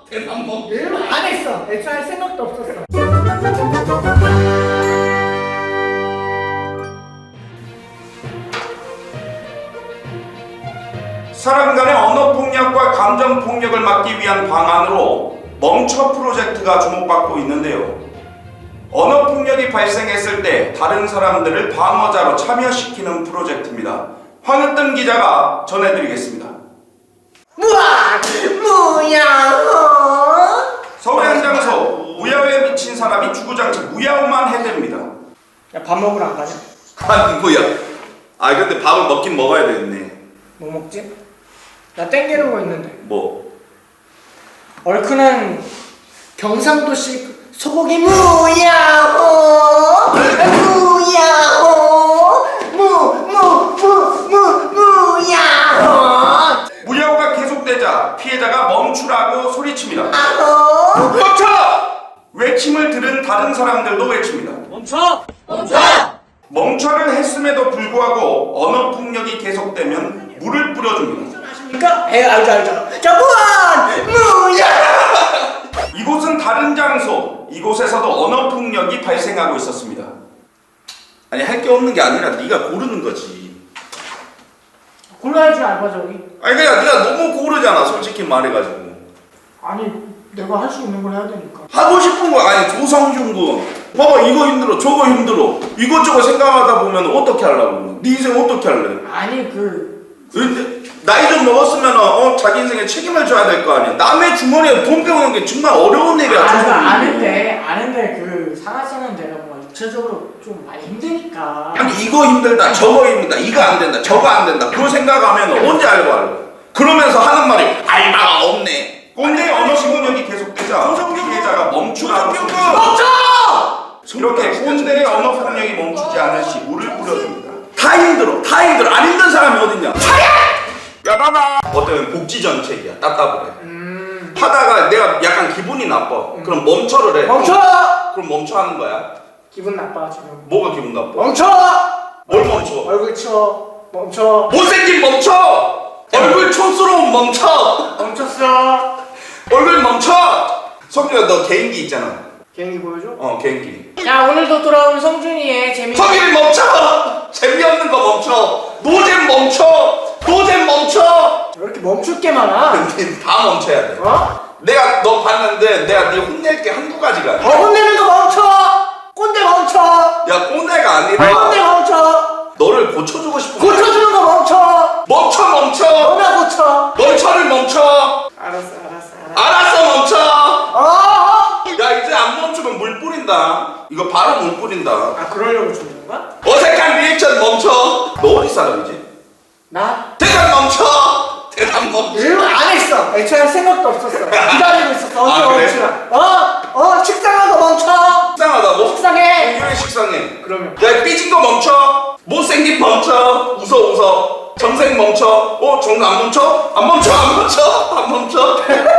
대답 멈춰. 안 했어. 애초에 할 생각도 없었어. 사람 간의 언어 폭력과 감정 폭력을 막기 위한 방안으로 멈춰 프로젝트가 주목받고 있는데요. 언어 폭력이 발생했을 때 다른 사람들을 방어자로 참여시키는 프로젝트입니다. 황으뜸 기자가 전해드리겠습니다. 무아! 무야호! 서울의 한 장소, 무야호에 미친 사람이 주구장창 무야호만 해댑니다. 야, 밥 먹으러 안 가냐? 아니 뭐야. 아 근데 밥을 먹긴 먹어야 되겠네. 뭐 먹지? 나 땡기는 거 있는데. 뭐? 얼큰한 경상도식 소고기 무야호! 무야호! 무야호! 무야호가 계속되자 피해자가 멈추라고 소리칩니다. 아호! 멈춰! 외침을 들은 다른 사람들도 외칩니다. 멈춰! 멈춰! 멈춰를 했음에도 불구하고 언어 폭력이 계속되면 물을 뿌려줍니다. 아십니까? 알죠. 자, 무한! 무야호! 이곳은 다른 장소, 이곳에서도 언어 폭력이 발생하고 있었습니다. 아니 할 게 없는 게 아니라 네가 고르는 거지. 골라야 줄 알바 저기. 아니 그냥 네가 너무 고르잖아 솔직히 말해가지고. 아니, 내가 할 수 있는 걸 해야 되니까. 하고 싶은 거 아니 조성준 군 봐봐 이거 힘들어 저거 힘들어 이것저것 생각하다 보면 어떻게 하려고 네 인생 어떻게 할래? 아니, 나이 좀 먹었으면 자기 인생에 책임을 져야 될 거 아니야. 남의 주머니에 돈 빼오는 게 정말 어려운 일이야. 아는데 살아서는 내가 뭐 육체적으로 좀 많이 힘드니까. 아니 이거 힘들다 저거 힘들다 이거 안 된다 저거 안 된다 그걸 생각하면 언제 알고 할래? 그러면서 하는 말이 알바가 없네. 꼰대 언어 시군력이 계속되자 피해자가 멈추라고 소리쳤다. 멈춰! 이렇게 꼰대의 언어 폭력이 멈추지 않을 시 물을 뿌려줍니다. 다 힘들어 안 힘든 사람이 어딨냐. 야 나나 어떤 복지 정책이야. 답답해. 하다가 내가 약간 기분이 나빠. 그럼 멈춰를 해. 멈춰! 그럼 멈춰 하는 거야. 기분 나빠 지금. 뭐가 기분 나빠? 멈춰! 뭘 멈춰? 얼굴 쳐. 멈춰. 못생긴 멈춰! 얼굴 촌스러운 멈춰! 멈췄어. 얼굴 멈춰! 성준아 너 개인기 있잖아. 개인기 보여줘? 개인기. 자, 오늘도 돌아온 성준이의 재미. 성준이 멈춰! 재미없는 거 멈춰! 노잼 멈춰! 노잼 멈춰! 왜 이렇게 멈출 게 많아? 다 멈춰야 돼. 내가 너 봤는데 내가 네 혼낼 게 한두 가지가 아니야. 혼내는 거 멈춰! 꼰대 멈춰! 야 꼰대가 아니라 꼰대 멈춰! 너를 고쳐주고 싶은 거야. 고쳐주는 거 멈춰! 멈춰! 너나 고쳐! 멈춰를 멈춰! 알았어 멈춰! 야 이제 안 멈추면 물 뿌린다. 이거 바로 물 뿌린다. 아, 그러려고 주는 거야? 어색한 리액션 멈춰. 너 어디 사람이지? 나? 대답 멈춰. 대답 멈춰. 안 했어. 애초에 할 생각도 없었어. 기다리고 있었어. 언제 아, 그래? 멈추나? 식상한 거 멈춰! 식상하다고? 식상해! 왜 식상해? 그러면. 야 삐진 거 멈춰. 못생긴 멈춰. 웃어. 정색 멈춰. 정색 안 멈춰? 안 멈춰.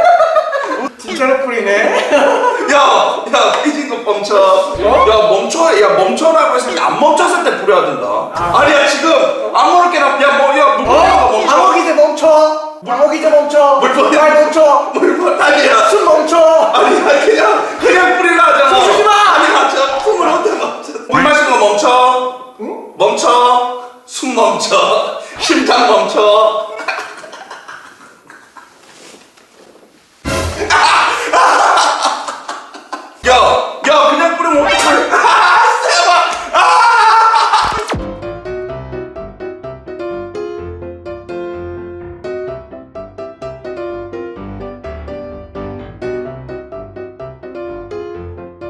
진짜로 뿌리네. 야 삐진 거 멈춰. 야 멈춰라고 했을 때 안 멈췄을 때 뿌려야 된다. 아니야 지금 아무렇게나 물 뿌리는 거 멈춰. 방어기제 멈춰. 방어기제 멈춰. 물 뿌려. 말 멈춰. 아니야. 숨 멈춰. 아니야 그냥